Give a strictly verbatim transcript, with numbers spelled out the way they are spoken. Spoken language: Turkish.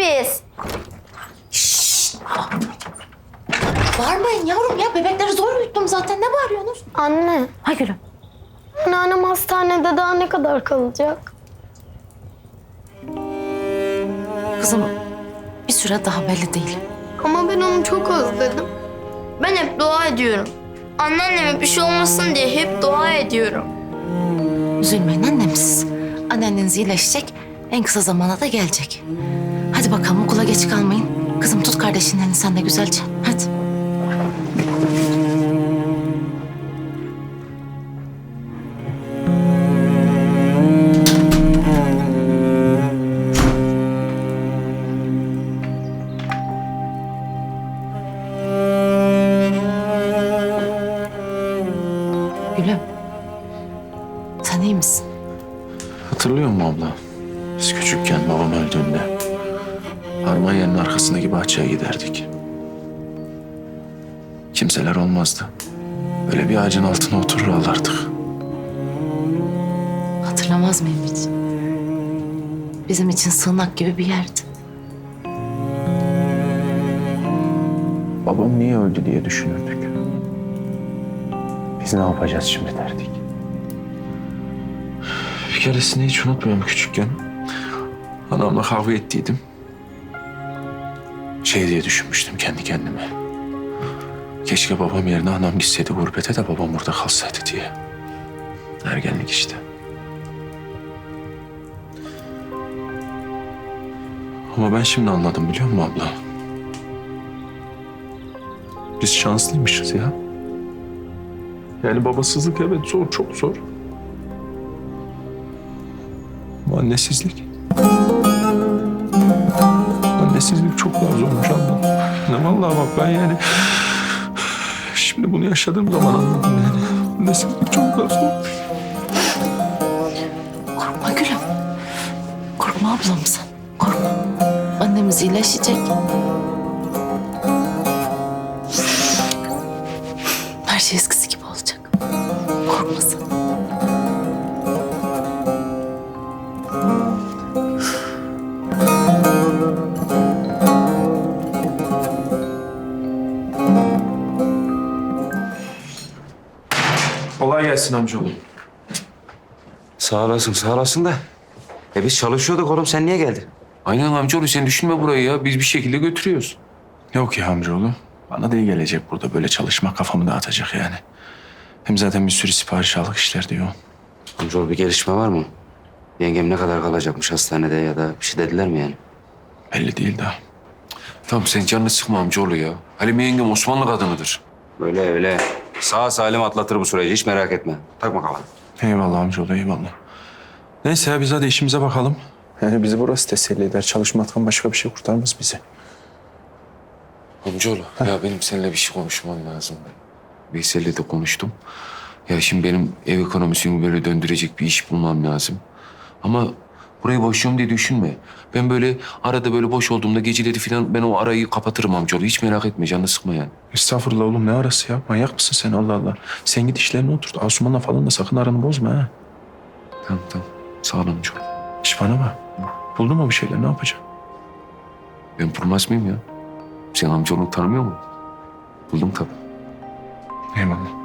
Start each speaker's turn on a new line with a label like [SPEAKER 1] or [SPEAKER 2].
[SPEAKER 1] biz.
[SPEAKER 2] Şşş. Bağırmayın yavrum ya. Bebekleri zor uyuttum zaten. Ne bağırıyorsunuz?
[SPEAKER 1] Anne,
[SPEAKER 2] Hay gülüm.
[SPEAKER 1] anneannem hastanede daha ne kadar kalacak?
[SPEAKER 2] Kızım bir süre daha belli değil.
[SPEAKER 1] Ama ben onu çok özledim. Ben hep dua ediyorum. Anneanneme bir şey olmasın diye hep dua ediyorum.
[SPEAKER 2] Üzülmeyin annemiz. Anneanneniz iyileşecek. En kısa zamanda da gelecek. Hadi bakalım okula geç kalmayın. Kızım tut kardeşinin elini sen de güzelce. Hadi. Gülüm. Sen iyi misin?
[SPEAKER 3] Hatırlıyor musun abla? Biz küçükken babam öldüğünde Harmanya'nın arkasındaki bahçeye giderdik. Kimseler olmazdı. Böyle bir ağacın altına oturur ağlardık.
[SPEAKER 2] Hatırlamaz mıyım hiç? Bizim için sığınak gibi bir yerdi.
[SPEAKER 3] Babam niye öldü diye düşünürdük. Biz ne yapacağız şimdi derdik. Bir keresini hiç unutmuyorum küçükken. Anamla kavga ettiydim. Şey diye düşünmüştüm kendi kendime. Keşke babam yerine anam gitseydi gurbete de babam burada kalsaydı diye. Ergenlik işte. Ama ben şimdi anladım biliyor musun abla? Biz şanslıymışız ya. Yani babasızlık evet zor, çok zor. Ama annesizlik... Annesizlik çok daha zormuş abla. Ne vallahi bak ben yani... Şimdi bunu yaşadığım zaman anladım yani. Annesizlik çok daha zor.
[SPEAKER 2] Korkma gülüm. Korkma ablam sen. Korkma. Annemiz iyileşecek. Her şey eskisi gibi olacak. Korkma sen.
[SPEAKER 3] Kolay gelsin amcaoğlu.
[SPEAKER 4] Sağ olasın, sağ olasın da. E biz çalışıyorduk oğlum, sen niye geldin?
[SPEAKER 5] Aynen amcaoğlu sen düşünme burayı ya. Biz bir şekilde götürüyoruz.
[SPEAKER 3] Yok ya amcaoğlu. Bana da iyi gelecek burada böyle çalışmak kafamı dağıtacak yani. Hem zaten bir sürü sipariş aldık işler diyor.
[SPEAKER 4] Amcaoğlu bir gelişme var mı? Yengem ne kadar kalacakmış hastanede ya da bir şey dediler mi yani?
[SPEAKER 3] Belli değil daha.
[SPEAKER 5] Tamam sen canını sıkma amcaoğlu ya. Halime yengem Osmanlı kadınıdır.
[SPEAKER 4] Öyle öyle. Sağ salim atlatır bu süreci, hiç merak etme. Takma kafana.
[SPEAKER 3] Eyvallah amcaoğlu eyvallah. Neyse ya biz hadi işimize bakalım. Yani bizi burası teselli eder. Çalışmaktan başka bir şey kurtarmaz bizi.
[SPEAKER 5] Amcaoğlu ya benim seninle bir şey konuşmam lazım. Veysel'le de konuştum. Ya şimdi benim ev ekonomisini böyle döndürecek bir iş bulmam lazım. Ama burayı boşluyorum diye düşünme. Ben böyle arada böyle boş olduğumda geceleri falan ben o arayı kapatırım amcaoğlu. Hiç merak etme canını sıkma yani.
[SPEAKER 3] Estağfurullah oğlum ne arası ya? Manyak mısın sen Allah Allah? Sen git işlerine oturt. Asuman'la falan da sakın aranı bozma ha.
[SPEAKER 5] Tamam tamam. Sağ ol amcaoğlu.
[SPEAKER 3] İş bana bak. Buldun mu bir şeyler ne yapacaksın?
[SPEAKER 5] Ben bulmaz mıyım ya? Sen amcaoğlunu tanımıyor musun? Buldum tabii.
[SPEAKER 3] Eyvallah.